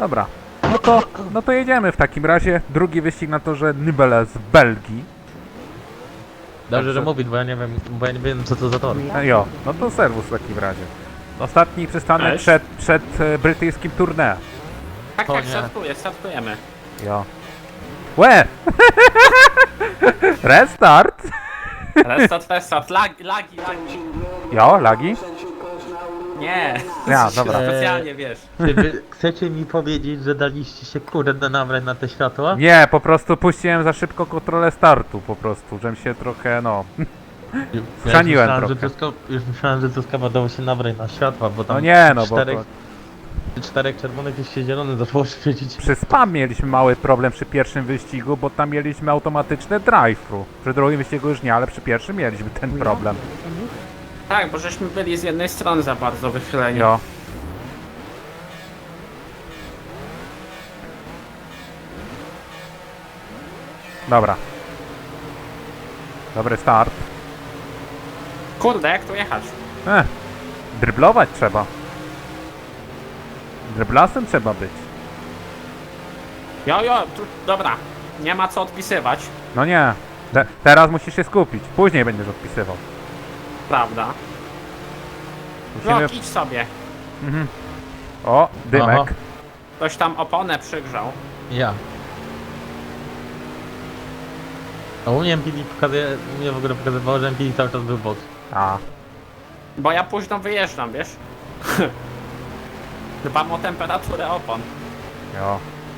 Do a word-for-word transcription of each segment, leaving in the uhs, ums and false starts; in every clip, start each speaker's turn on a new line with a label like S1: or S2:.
S1: Dobra. No to, no to jedziemy w takim razie. Drugi wyścig na torze Nibele z Belgii.
S2: Dobrze,
S1: Także-
S2: że mówić, bo ja nie wiem, bo ja nie wiem co to za tor.
S1: E, jo, no to serwus w takim razie. Ostatni przystanek
S3: Cześć.
S1: przed, przed e, brytyjskim tournée.
S3: Tak,
S2: O
S3: tak,
S2: nie.
S3: startuję, startujemy.
S1: Jo. Łe! Restart!
S3: Restart, restart, lag, lagi, lagi.
S1: Jo, lagi?
S3: Nie.
S1: Ja, dobra.
S3: Specjalnie, wiesz.
S2: Czy wy chcecie mi powiedzieć, że daliście się kurde nabrać na te światła?
S1: Nie, po prostu puściłem za szybko kontrolę startu, po prostu, żebym się trochę, no...
S2: Już
S1: Schrzaniłem
S2: myślałem,
S1: trochę.
S2: że Truska, już myślałem, że Truskawa dało się nabrać na światła, bo tam
S1: No nie, no bo
S2: czterech,
S1: to,
S2: czterech czerwonych już się zielony zaczęło świecić.
S1: przy spam mieliśmy mały problem przy pierwszym wyścigu, bo tam mieliśmy automatyczne drive-thru. Przy drugim wyścigu już nie, ale przy pierwszym mieliśmy ten problem.
S3: Tak, bo żeśmy byli z jednej strony za bardzo wychyleni.
S1: Jo. Dobra. Dobry start.
S3: Kurde, jak tu jechać?
S1: Eh, dryblować trzeba. Dryblasem trzeba być.
S3: Jo, jo, tu, dobra. Nie ma co odpisywać,
S1: No nie. Te, teraz musisz się skupić. Później będziesz odpisywał.
S3: prawda?
S1: Musimy...
S3: No, idź sobie.
S1: Mhm. O, dymek.
S2: Aha.
S3: Ktoś tam oponę przygrzał.
S2: Ja. A u mnie M P D pokazuje, mnie w ogóle pokazywało, że M P D cały czas był bok.
S1: A,
S3: Bo ja późno wyjeżdżam, wiesz? Dbam o temperaturę opon.
S1: jo.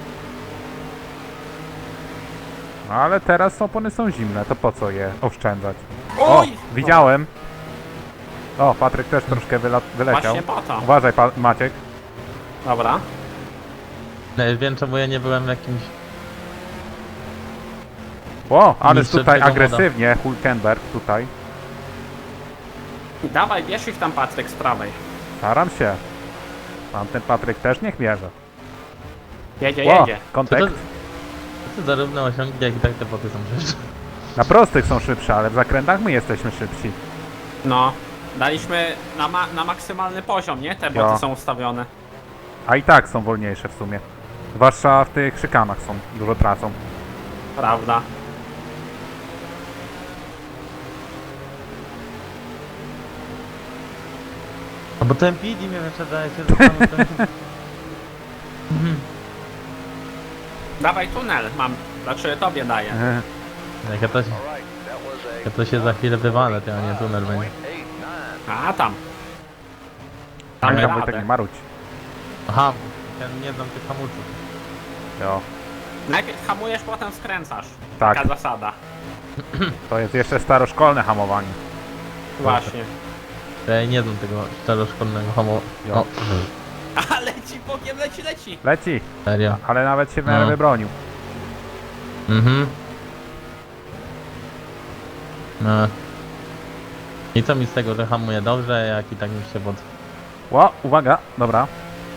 S1: No ale teraz opony są zimne, to po co je oszczędzać? O,
S3: Oj!
S1: widziałem. O, Patryk też troszkę wyla wyleciał.
S3: Właśnie po to.
S1: Uważaj, pa Maciek.
S3: Dobra.
S2: Nie wiem czemu ja nie byłem w jakimś...
S1: O, ależ
S2: Mistrzem
S1: tutaj
S2: tego moda.
S1: agresywnie, Hulkenberg tutaj.
S3: Dawaj, bierz ich tam, Patryk, z prawej.
S1: Staram się. Tamten Patryk też niech mierzy.
S3: Jedzie,
S1: O,
S3: jedzie.
S2: Co to,
S1: kontekst.
S2: co to zarówno osiągi, jak i tak te boty są rzeczy.
S1: Na prostych są szybsze, ale w zakrętach my jesteśmy szybsi.
S3: No. Daliśmy na, ma na maksymalny poziom, nie? Te
S1: Jo.
S3: boty są ustawione.
S1: A i tak są wolniejsze w sumie. Zwłaszcza w tych szykanach są, dużo tracą.
S3: Prawda.
S2: A bo to M P D mnie wyprzedaje się, że tam... to-
S3: Dawaj tunel, mam. Znaczy tobie daję.
S1: Ehe.
S2: Jak ja to, się- ja to się za chwilę wywalę, to ja nie tunel będzie.
S3: A tam. Damy
S1: Tam Wojtek nie
S3: radę.
S1: marudź.
S2: Aha, ja nie znam tych hamulców.
S1: Jo.
S3: Najpierw hamujesz, potem skręcasz.
S1: Tak.
S3: Taka zasada.
S1: To jest jeszcze staroszkolne hamowanie.
S3: Właśnie.
S2: Ja nie znam tego staroszkolnego hamu...
S1: Jo.
S2: O,
S3: A leci bokiem, leci, leci.
S1: Leci,
S2: serio.
S1: ale nawet się w miarę
S2: No.
S1: wybronił.
S2: Mhm. No. I co mi z tego, że hamuje dobrze, jak i tak mi się pod...
S1: Ło, uwaga, dobra.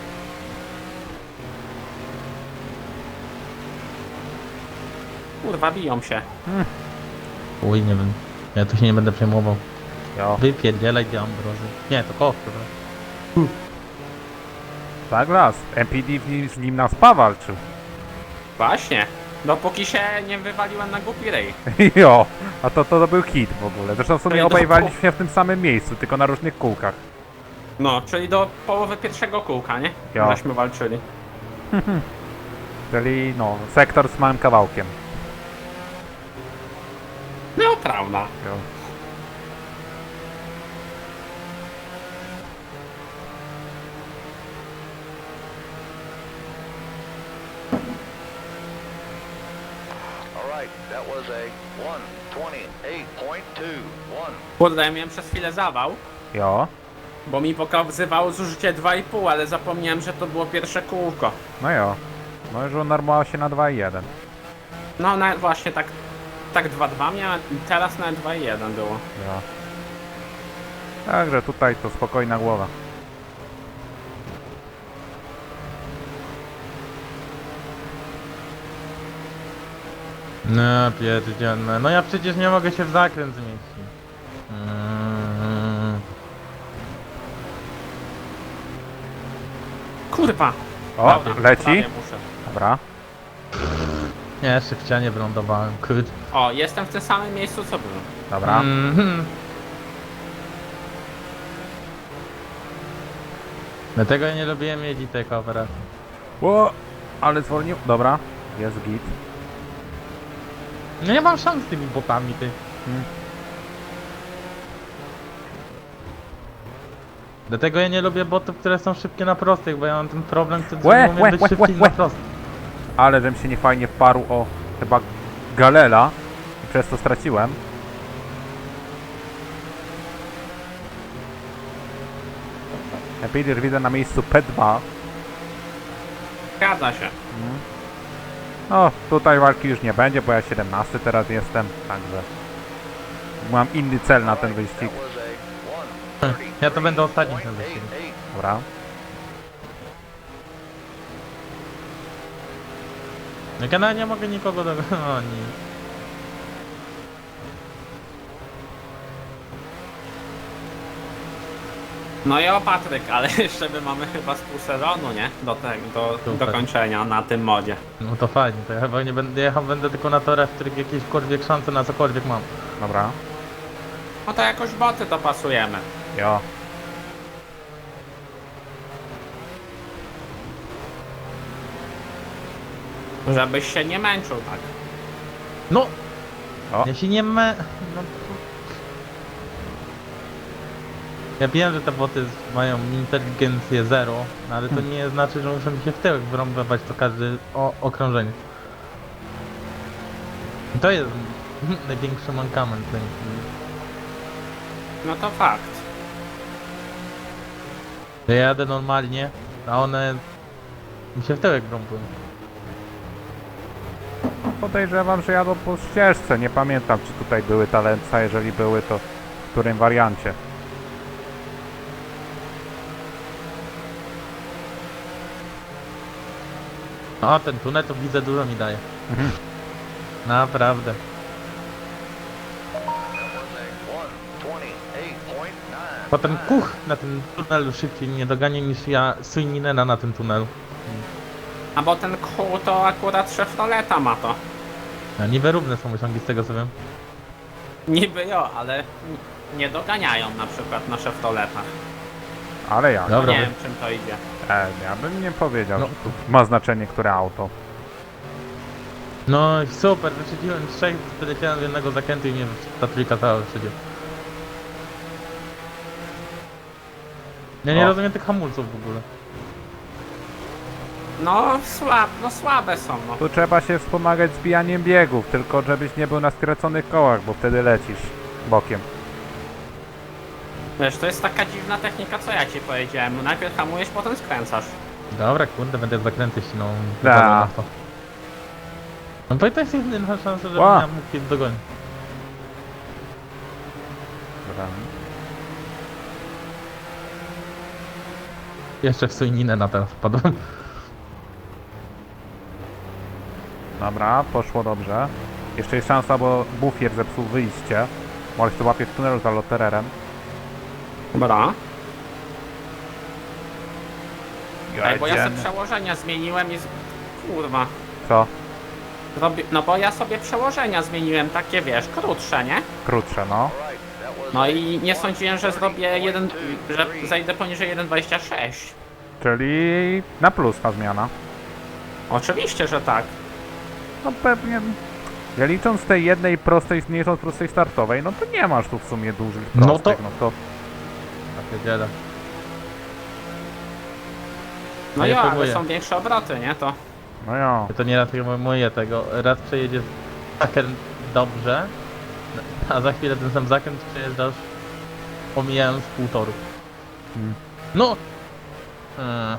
S3: Kurwa, biją się.
S2: Uj, nie wiem. Ja tu się nie będę przejmował.
S1: Jo.
S2: Wypierdzielaj do ambrozy. Nie, to koło, dobra.
S1: Tak las. M P D w nim, z nim na spa walczył.
S3: Właśnie. Dopóki się nie wywaliłem na głupi rej.
S1: Jo, a to, to, to był hit w ogóle. Zresztą w sumie
S3: Ej,
S1: obaj
S3: no.
S1: waliśmy w tym samym miejscu, tylko na różnych kółkach.
S3: No, czyli do połowy pierwszego kółka, nie?
S1: Jo.
S3: Żeśmy walczyli.
S1: Czyli no, sektor z małym kawałkiem.
S3: No, prawda.
S1: Jo.
S4: All right, that was a one twenty-eight point two one.
S3: Kurde, ja miałem przez chwilę zawał,
S1: Jo.
S3: bo mi pokazywało zużycie dwa i pół, ale zapomniałem, że to było pierwsze kółko.
S1: No jo. No już unormował się na dwa i jeden.
S3: No, na, właśnie tak, tak dwa dwa miałem, teraz na dwa i jeden było.
S1: Jo. Także tutaj to spokojna głowa.
S2: No pierdzielne. No ja przecież nie mogę się w zakręt zmieścić. Mm.
S3: Kurwa,
S1: O,
S3: Dobra,
S1: leci.
S3: prawie muszę.
S1: Dobra.
S2: Nie, jeszcze w ścianie wylądowałem, kurde.
S3: O, jestem w tym samym miejscu co byłem.
S1: Dobra.
S2: Mhm. Dlatego ja nie lubiłem jeździć tej kooperacji.
S1: O, ale zwolnił. Dobra. Jest git.
S2: No nie mam szans z tymi botami, ty.
S1: Hmm.
S2: Dlatego ja nie lubię botów, które są szybkie na prostych, bo ja mam ten problem, co
S1: Łe,
S2: umiem
S1: łe,
S2: być
S1: łe,
S2: szybki
S1: łe,
S2: na
S1: łe.
S2: prostych.
S1: Ale żem się niefajnie wparł o chyba Galela i przez to straciłem. Epidr widzę na miejscu P dwa.
S3: Zgadza się.
S1: No, tutaj walki już nie będzie, bo ja siedemnasty teraz jestem, także mam inny cel na ten wyścig.
S4: That was a one
S2: Ja to będę ostatni ten
S4: point
S2: wyścig.
S4: eight eight.
S1: Dobra.
S2: Jak ja nawet nie mogę nikogo dogonić.
S3: No i o Patryk, ale jeszcze my mamy chyba z pół sezonu, nie? Do tego, do,
S2: Super.
S3: do kończenia na tym modzie.
S2: No to fajnie, to ja chyba nie będę jechał, będę tylko na torach, w których jakiekolwiek szanse na cokolwiek mam.
S1: Dobra.
S3: No to jakoś boty to pasujemy.
S1: Jo.
S3: Żebyś się nie męczył tak.
S2: No!
S1: O.
S2: Ja się nie me... No. Ja wiem, że te boty mają inteligencję zero, no ale to nie znaczy, że muszą mi się w tyłek wyrąbywać to każde o, okrążenie. I to jest największy mankament tej.
S3: No to fakt.
S2: Ja jadę normalnie, a one mi się w tyłek wrąbują.
S1: Podejrzewam, że jadą po ścieżce. Nie pamiętam, czy tutaj były talenca. Jeżeli były, to w którym wariancie.
S2: O, ten tunel to widzę, dużo mi daje.
S1: Mhm.
S2: Naprawdę.
S4: That was a one twenty-eight point nine.
S2: Potem kuch na tym tunelu szybciej nie dogania niż ja Suininena na tym tunelu.
S3: A bo ten kół to akurat Chevroleta ma to.
S2: A niby równe są osiągi z tego co wiem.
S3: Niby jo, ale nie doganiają na przykład na Chevroletach.
S1: Ale jak?
S2: Dobra.
S3: Nie wiem czym to idzie.
S1: E, ja bym nie powiedział,
S2: No.
S1: że tu ma znaczenie, które auto.
S2: No i super, wyprzedziłem trzech, wyleciałem z jednego zakrętu i mnie ta trójka cała wyprzedziła. Ja nie
S1: O.
S2: rozumiem tych hamulców w ogóle.
S3: No, słab, no słabe są, no.
S1: Tu trzeba się wspomagać zbijaniem biegów, tylko żebyś nie był na skraconych kołach, bo wtedy lecisz bokiem.
S3: Wiesz, to jest taka dziwna technika, co ja ci powiedziałem. No najpierw hamujesz, potem skręcasz.
S2: Dobra, kurde, będę zakręty ścinał.
S1: Da.
S2: Wypadło na to. No bo i to jest jedyna szansa, żebym
S1: Ła.
S2: ja mógł je dogonić.
S1: Dobra.
S2: Jeszcze w Suininę na teraz wpadłem.
S1: Dobra, poszło dobrze. Jeszcze jest szansa, bo bufier zepsuł wyjście. Może się łapie w tunelu za lotererem.
S3: Dobra. Ej, bo ja sobie
S1: Jedziemy.
S3: przełożenia zmieniłem i... Z... Kurwa.
S1: Co?
S3: Robi... No bo ja sobie przełożenia zmieniłem, takie wiesz, krótsze, nie?
S1: Krótsze, no.
S4: All right, that was
S3: No
S4: a
S3: i nie sądziłem, że zrobię jeden... że zejdę poniżej jeden dwadzieścia sześć.
S1: Czyli na plus ta zmiana.
S3: Oczywiście, że tak.
S1: No pewnie... Ja licząc tej jednej prostej, nie licząc prostej startowej, no to nie masz tu w sumie dużych
S2: No
S1: prostych,
S2: to-
S1: no to...
S2: Takie dziele.
S3: No
S2: Ja
S3: jo, ale
S2: próbuję.
S3: są większe obroty, nie? To...
S1: No jo.
S2: Ja to nieraz mówię tego. Raz przejedziesz zakręt dobrze, a za chwilę ten sam zakręt przejeżdżasz omijając pół toru.
S1: Hmm.
S2: No! Eee.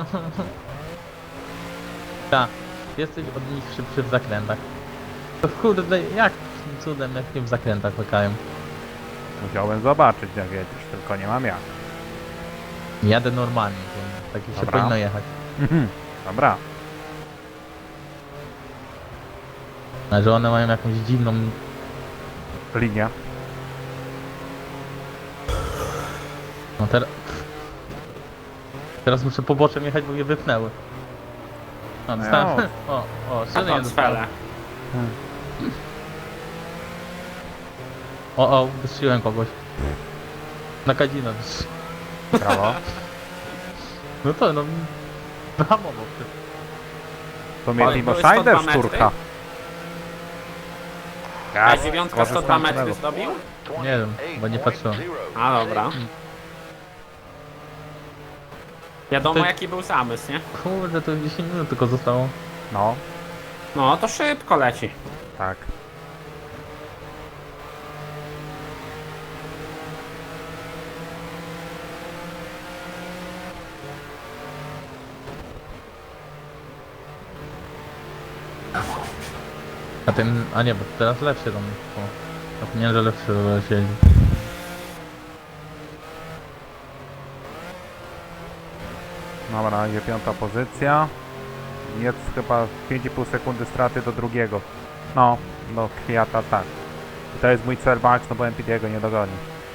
S2: Tak, jesteś od nich szybszy w zakrętach. To kurde, jak cudem, jak nie w zakrętach łykają.
S1: Musiałem zobaczyć, jak jedziesz, tylko nie mam jak.
S2: Jadę normalnie, więc tak się
S1: Dobra.
S2: powinno jechać.
S1: Mhm. Dobra.
S2: A że one mają jakąś dziwną...
S1: Linia.
S2: No teraz... Teraz muszę poboczem jechać, bo je wypnęły. O, dostałem. O, o,
S3: A
S2: szyny
S3: to
S2: nie dostałem.
S3: cwele.
S2: O, o, wystrzeliłem kogoś. Na kadzino wystrzeliłem.
S1: Brawo.
S2: No to no... Bramowo.
S1: To mnie
S3: Ale
S1: Timo
S3: były sto dwa
S1: Schneider
S3: metry?
S1: szturcha.
S3: A dziewiątka sto dwa
S1: korzystam z
S3: metry
S1: tego.
S3: zdobił?
S2: Nie wiem, bo nie patrzyłem.
S3: A dobra. Wiadomo
S2: To-
S3: jaki był zamysł, nie?
S2: Kurde, to dziesięć minut tylko zostało.
S1: No,
S3: No to szybko leci.
S1: tak.
S2: A ten, a nie, bo teraz lepszy tam. O, zapomniałem, że lepszy siedzi.
S1: Dobra, idzie piąta pozycja. Jest chyba pięć i pół sekundy straty do drugiego. No, do Kwiata tak. I to jest mój cel max, no bo M P D go nie dogoni.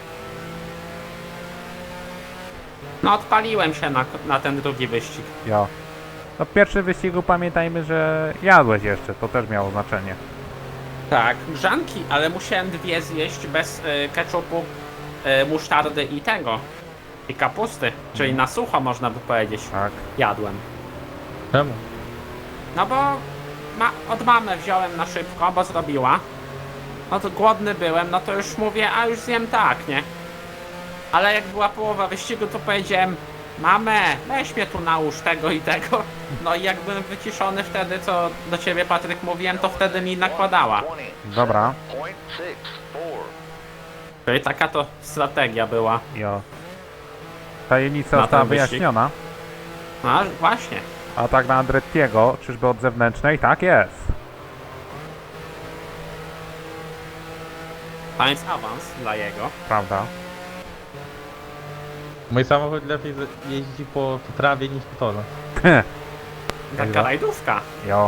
S3: No odpaliłem się na, na ten drugi wyścig.
S1: Jo. No w pierwszym wyścigu pamiętajmy, że jadłeś jeszcze, to też miało znaczenie.
S3: Tak, grzanki, ale musiałem dwie zjeść bez y, ketchupu, y, musztardy i tego. I kapusty, czyli na sucho można by powiedzieć.
S1: Tak.
S3: Jadłem.
S2: Czemu?
S3: No bo ma, od mamy wziąłem na szybko, bo zrobiła. No to głodny byłem, no to już mówię, a już zjem tak, nie? Ale jak była połowa wyścigu, to powiedziałem, mamę, weź mnie tu nałóż tego i tego. No i jak byłem wyciszony wtedy, co do ciebie Patryk mówiłem, to wtedy mi nakładała.
S1: Dobra.
S3: Czyli taka to strategia była.
S1: Jo. Tajemnica
S3: Na
S1: została
S3: ten wyścig?
S1: wyjaśniona.
S3: No aż właśnie.
S1: A tak na Andrettiego, czyżby od zewnętrznej? Tak jest.
S3: Tam jest awans dla jego.
S1: Prawda.
S2: Mój samochód lepiej z- jeździ po, po trawie niż po torze.
S3: Taka
S1: Dobra.
S3: rajdówka.
S1: Jo.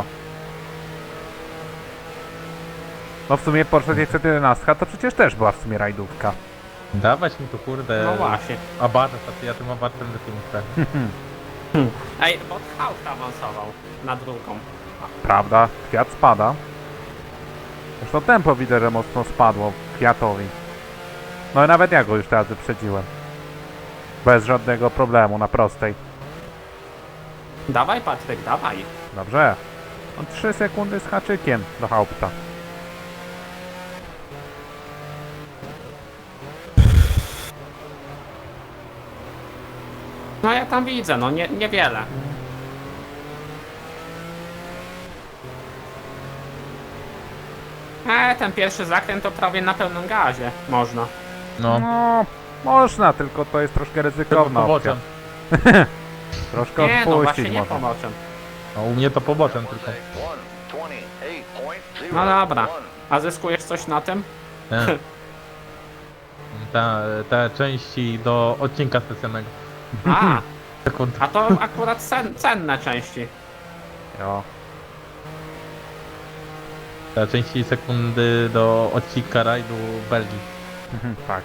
S1: No w sumie Porsche dziewięćset jedenaście to przecież też była w sumie rajdówka.
S2: Dawać mi tu kurde...
S3: No właśnie.
S2: Abarth, a ja tym abartem lepiej nie chcę.
S3: Ej, bo Haut awansował na drugą.
S1: Prawda, Kwiat spada. Zresztą tempo widzę, że mocno spadło Kwiatowi. No i nawet ja go już teraz wyprzedziłem. Bez żadnego problemu, na prostej.
S3: Dawaj Patryk, dawaj.
S1: Dobrze. On trzy sekundy z haczykiem do Haupta.
S3: No ja tam widzę, no nie, niewiele. E, ten pierwszy zakręt to prawie na pełnym gazie można.
S2: No,
S1: No, można, tylko to jest troszkę
S2: tylko
S1: ryzykowna opcja.
S2: poboczem.
S1: Troszkę
S3: Nie, no właśnie
S1: odpuścić
S3: nie
S1: można.
S3: pomoczem.
S2: No, u mnie to poboczem tylko.
S3: No dobra. A zyskujesz coś na tym?
S2: Nie. Ta, te części do odcinka specjalnego.
S3: A,
S2: Sekund.
S3: a to akurat cen, cenne części.
S1: Jo.
S2: Te części sekundy do odcinka rajdu Belgii.
S1: Tak,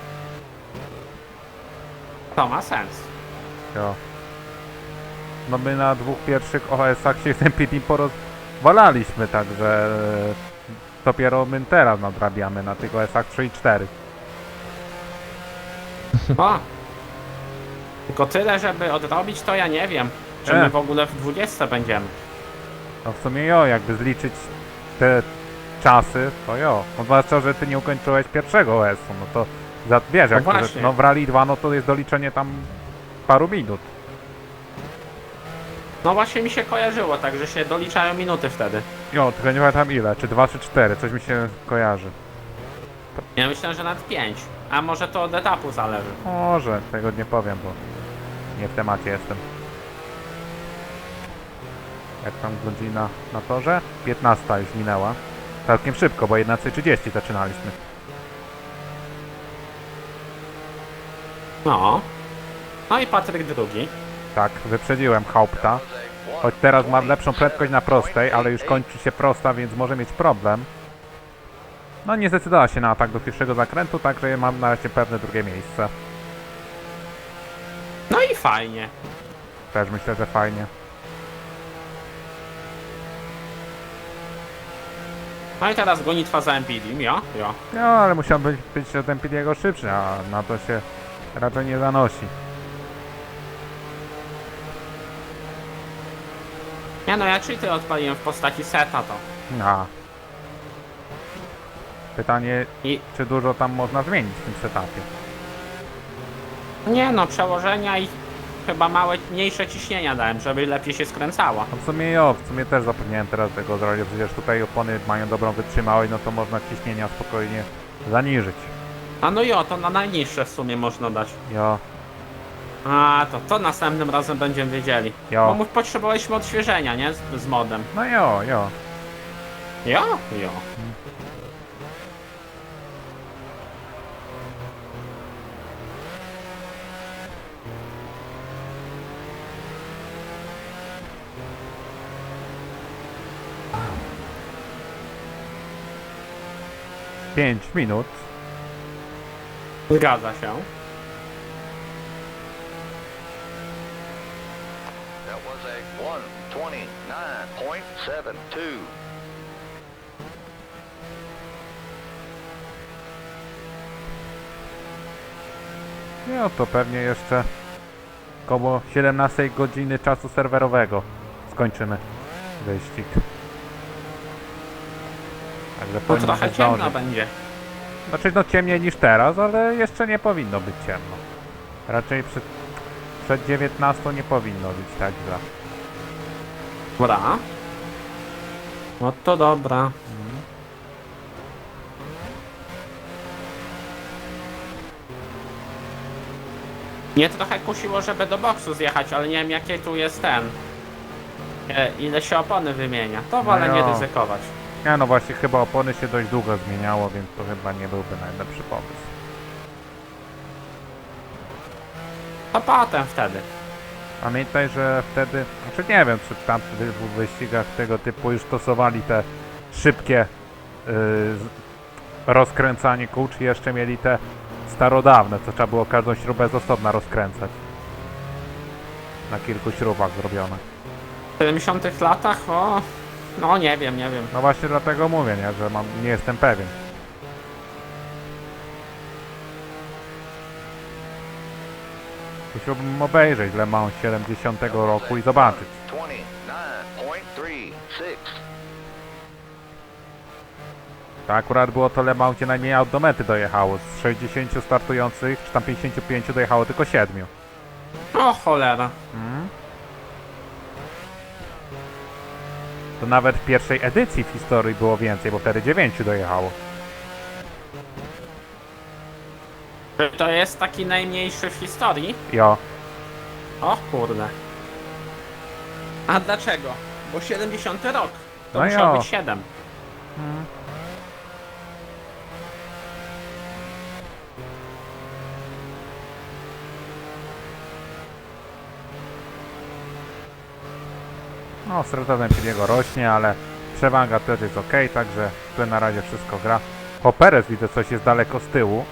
S3: To ma sens.
S1: jo. No my na dwóch pierwszych O S-ach się z tym P T porozwalaliśmy, także e, dopiero my teraz nadrabiamy na tych O S-ach trzy i cztery.
S3: O! Tylko tyle, żeby odrobić, to ja nie wiem. Czy
S1: E.
S3: my w ogóle w dwudziestce będziemy.
S1: No w sumie jo, jakby zliczyć te czasy, to jo. No zwłaszcza, że ty nie ukończyłeś pierwszego O S-u, no to za, wiesz,
S3: No
S1: jak to,
S3: właśnie.
S1: no w Rally dwa, no to jest doliczenie tam paru minut.
S3: No właśnie mi się kojarzyło, tak, że się doliczają minuty wtedy.
S1: Jo, tylko nie pamiętam ile, czy dwa, czy cztery, coś mi się kojarzy.
S3: Ja myślę, że nawet pięć. A może to od etapu zależy.
S1: Może, tego nie powiem, bo nie w temacie jestem. Jak tam godzina na torze? piętnasta już minęła. Całkiem szybko, bo jedenaście trzydzieści zaczynaliśmy.
S3: No. No i Patryk drugi.
S1: Tak, wyprzedziłem Haupta. Choć teraz ma lepszą prędkość na prostej, ale już kończy się prosta, więc może mieć problem. No nie zdecydowała się na atak do pierwszego zakrętu, także mam na razie pewne drugie miejsce.
S3: No i fajnie.
S1: Też myślę, że fajnie.
S3: No i teraz gonitwa za Empidim, jo, jo.
S1: No, ale musiał być, być od Empiriego szybszy, a na to się raczej nie zanosi.
S3: Nie no, ja cheaty odpaliłem w postaci seta to.
S1: A. Pytanie,
S3: I
S1: czy dużo tam można zmienić w tym setupie?
S3: nie no, przełożenia i chyba małe, mniejsze ciśnienia dałem, żeby lepiej się skręcało.
S1: No w sumie jo, w sumie też zapomniałem teraz tego zrobić, przecież tutaj opony mają dobrą wytrzymałość, no to można ciśnienia spokojnie zaniżyć.
S3: A no jo, to na najniższe w sumie można dać.
S1: Jo,
S3: A, to to następnym razem będziemy wiedzieli.
S1: Jo.
S3: Bo my potrzebowaliśmy odświeżenia, nie? Z, z modem.
S1: no jo, jo.
S3: Jo? Jo.
S1: pięć minut.
S3: Zgadza się.
S4: That was a one twenty-nine point seven two.
S1: No to pewnie jeszcze koło siedemnastej godziny czasu serwerowego skończymy wyścig. Także
S3: No
S1: powinno
S3: trochę
S1: się
S3: ciemno
S1: zdążyć.
S3: będzie.
S1: Znaczy no ciemniej niż teraz, ale jeszcze nie powinno być ciemno. Raczej przed, przed dziewiętnastą nie powinno być tak źle.
S3: Dobra. No to dobra. Mnie trochę kusiło, żeby do boksu zjechać, ale nie wiem jaki tu jest ten. E, ile się opony wymienia. To wolę nie
S1: jo.
S3: ryzykować.
S1: Nie no właśnie chyba opony się dość długo zmieniało, więc to chyba nie byłby najlepszy pomysł.
S3: To potem wtedy.
S1: Pamiętaj, że wtedy, znaczy nie wiem, czy w tamtych dwóch wyścigach tego typu już stosowali te szybkie yy, z- rozkręcanie kół, czy jeszcze mieli te starodawne, co trzeba było każdą śrubę z osobna rozkręcać. Na kilku śrubach zrobione.
S3: W siedemdziesiątych latach, o... No nie wiem, nie wiem.
S1: No właśnie dlatego mówię, nie, że mam, nie jestem pewien. Musiałbym obejrzeć Le Mans siedemdziesiątego roku i zobaczyć.
S4: twenty-nine point three six.
S1: To akurat było to Le Mans, gdzie najmniej aut do mety dojechało. Z sześćdziesięciu startujących, czy tam pięćdziesięciu pięciu dojechało tylko siedmiu.
S3: O cholera.
S1: Mm. To nawet w pierwszej edycji w historii było więcej, bo wtedy dziewięciu dojechało.
S3: Czy to jest taki najmniejszy w historii?
S1: Jo.
S3: O kurde. A dlaczego? Bo siedemdziesiąty rok. To
S1: No
S3: musiał
S1: jo.
S3: być siedem.
S1: Mm. No, strata Empiriego rośnie, ale przewaga też jest ok, także tu na razie wszystko gra. O, Perez widzę, coś jest daleko z tyłu.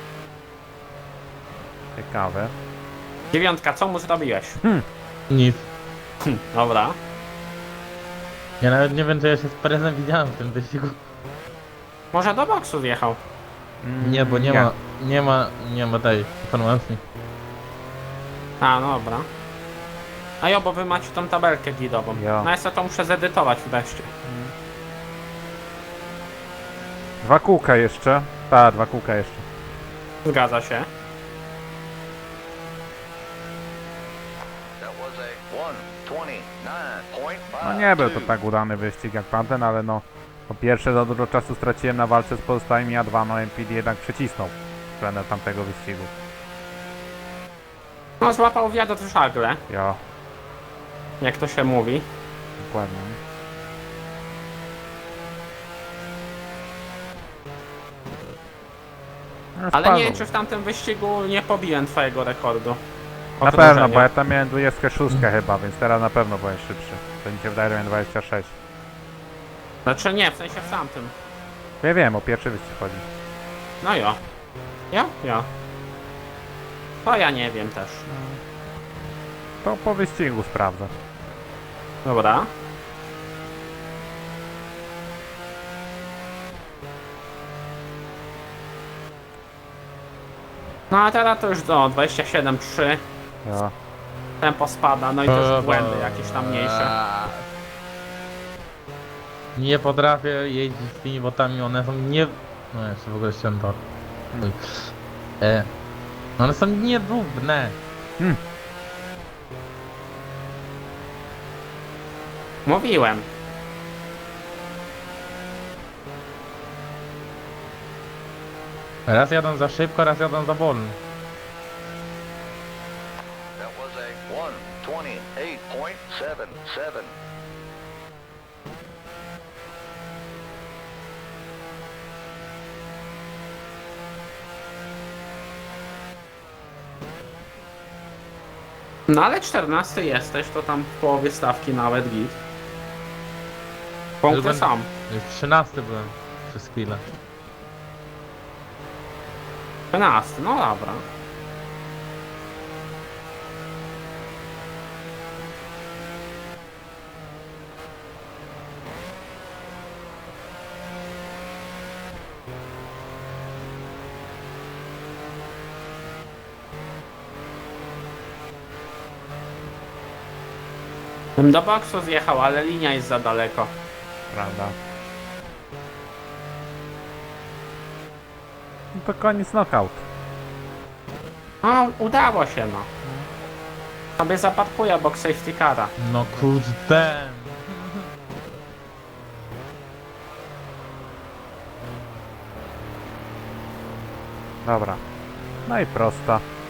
S1: Ciekawe.
S3: Dziewiątka, co mu zrobiłeś?
S2: Nic.
S3: Hm, dobra.
S2: Ja nawet nie wiem, czy ja się z Perezem widziałem w tym wyścigu.
S3: Może do boksu wjechał.
S1: Mm,
S2: Nie, bo nie, ma, nie ma, nie ma tej informacji.
S3: A, no dobra. A jo, bo wy macie tą tabelkę gidową.
S1: Jo.
S3: No ja sobie to muszę zedytować wreszcie.
S1: Dwa kółka jeszcze. Tak, dwa kółka jeszcze.
S3: Zgadza się.
S4: That was a one twenty-nine point five.
S1: No nie był to tak udany wyścig jak tamten, ale no po pierwsze za dużo czasu straciłem na walce z pozostałymi, a dwa no M P D jednak przycisnął względem tamtego wyścigu.
S3: No złapał wiatr w żagle,
S1: Jo,
S3: jak to się mówi.
S1: dokładnie. No,
S3: Ale
S1: spadł.
S3: nie wiem, czy w tamtym wyścigu nie pobiłem twojego rekordu.
S1: Na pewno,
S3: Okrążenia.
S1: bo ja tam miałem dwudziestkę szóstkę chyba, więc teraz na pewno byłem szybszy. To mi się wydaje, że miałem dwadzieścia sześć.
S3: Znaczy nie, w sensie w tamtym.
S1: Ja wiem, o pierwszy wyścig chodzi.
S3: No jo. Jo? Jo. To ja nie wiem też.
S1: To po wyścigu sprawdzę.
S3: Dobra. No a teraz to już do dwadzieścia siedem trzy.
S1: Jo.
S3: Tempo spada, no i też błędy jakieś tam mniejsze.
S2: Nie potrafię jeździć z tymi botami, one są nie... No jeszcze w ogóle ściąłem tor.
S1: Hmm.
S2: E, one są nierówne.
S3: Mówiłem.
S2: Raz jadą za szybko, raz jadą za wolno.
S4: That was a one twenty-eight point seven seven.
S3: No ale czternasty jesteś, to tam w połowie stawki nawet git. Punkty
S2: Będę-
S3: są.
S2: Już trzynasty byłem przez chwilę.
S3: trzynasty, no dobra. Bym do boksu zjechał, ale linia jest za daleko.
S1: Prawda. No to koniec knockout.
S3: No, udało się no. Sobie zaparkuję obok safety cara.
S2: No kurde.
S1: Dobra. No i prosta.